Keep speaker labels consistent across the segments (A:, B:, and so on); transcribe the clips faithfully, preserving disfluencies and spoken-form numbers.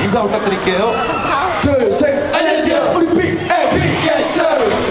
A: 인사 부탁드릴게요.
B: 둘, 셋. 안녕하세요. 우리 비 에 비 예스.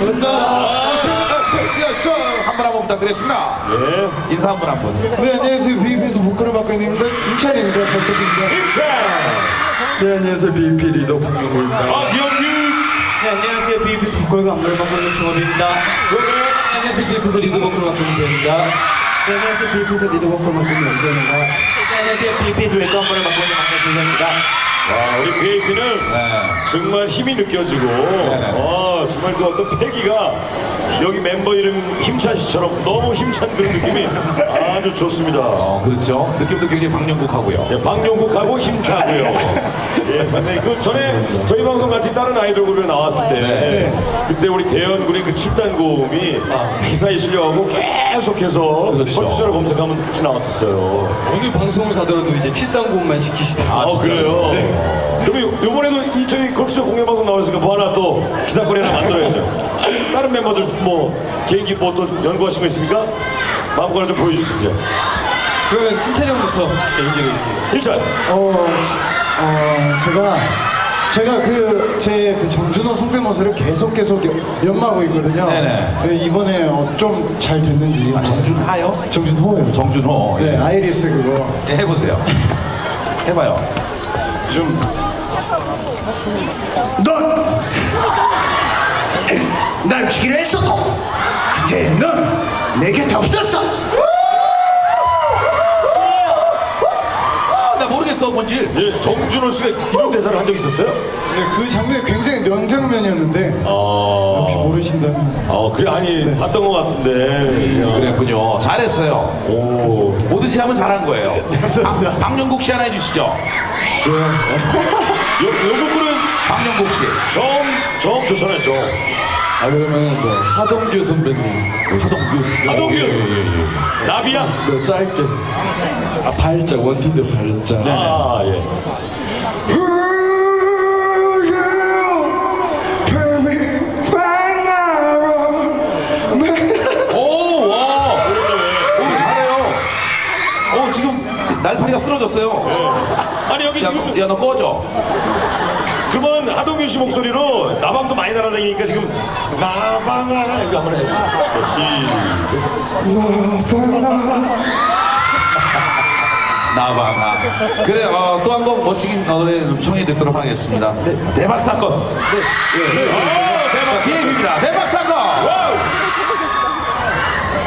A: 한분 한 분 부탁드리겠습니다.
C: 예.
A: 인사 한 분 한 분.
B: 네, 안녕하세요. 비비에서 보컬을 맡고 있는 임찬입니다. 잘 부탁드립니다.
C: 임찬.
B: 네, 안녕하세요. 비비 리더 박명호입니다.
C: 아, 비영규.
D: 네, 안녕하세요. 비비에서 보컬과 안무를 맡고 있는 종업입니다.
C: 조명.
D: 안녕하세요. 비비에서 리드 보컬을 맡고 있는 대입니다. 네, 안녕하세요. 비비에서 리드 보컬을 맡고 있는 연재입니다. 네, 안녕하세요. 비비에서 웨이크 안무를 맡고 있는 박명수입니다.
C: 와, 우리 비에이피는
A: 네.
C: 정말 힘이 느껴지고,
A: 네네.
C: 아, 정말 그 어떤 패기가 여기 멤버 이름 힘찬 씨처럼 너무 힘찬 그런 느낌이 아주 좋습니다.
A: 어, 그렇죠. 느낌도 굉장히 박영국하고요.
C: 예, 박용국하고 힘차고요. 예, 상당히 그 전에 저희 방송 같이 다른 아이돌 그룹에 나왔을 때
A: 네.
C: 그때 우리 대현군의 그 칠 단 고음이 기사에 실려가고 계속해서
A: 그렇죠.
C: 컴퓨터로 검색하면 같이 나왔었어요.
D: 오늘 방송을 가더라도 이제 칠 단 고음만 시키시더라고요.
C: 아, 그래요? 그럼 요- 요번에도 이 저희 컵스쇼 공개방송 나오니까 뭐 하나 또 기사거리 하나 만들어야죠. 다른 멤버들 뭐 개인기 뭐 또 연구하신 거 있습니까? 마음껏 좀 보여주시죠. 이제.
D: 그러면 힘찬이 형부터 얘기를 해볼게요.
C: 일찬.
B: 어, 지- 어, 제가 제가 그 제 그 정준호 성대모사를 계속 계속 연- 연마하고 있거든요.
A: 네네.
B: 네, 이번에 어, 좀 잘 됐는지.
A: 아, 정준하요?
B: 정준호예요.
A: 정준호.
B: 네, 아이리스 그거.
A: 예, 해보세요. 해봐요.
B: 좀. 넌! 날 죽이려 했었고 그때 넌 내 곁에 없었어.
A: 아, 나 모르겠어, 뭔지.
C: 예, 정준호 씨가 이런 대사를 한 적 있었어요?
B: 네, 그 장면이 굉장히 명장면이었는데
C: 아,
B: 혹시 모르신다면.
C: 아 그래 아니 봤던 것 같은데. 야.
A: 그랬군요. 잘했어요.
C: 오.
A: 뭐든지 하면 잘한 거예요.
B: 감사합니다.
A: 박- 박영국 씨 하나 해주시죠.
C: 요 요거는
A: 박영국 씨.
C: 처음 처음 좋잖아요. 저
E: 아 그러면 저 하동규 선배님
A: 하동규.
C: 하동규.
A: 예, 예, 예.
C: 나비야.
E: 네 짧게 아 발작 원피드 발작
C: 아 예.
A: 오, 와. 오, 잘해요. 오, 지금 날파리가 쓰러졌어요.
C: 아니 여기
A: 야,
C: 지금
A: 너, 야, 너 꺼져.
C: 그러면 하동균 씨 목소리로 나방도 많이 날아다니니까 지금 나방아 이거 한번 해주세요. 시.
A: 나방아. 그래, 어, 또 한 곡 멋진 노래 좀 청해 듣도록 하겠습니다. 대박 사건.
C: 아, 대박.
A: 비엠입니다. 대박 사건.
C: 와우.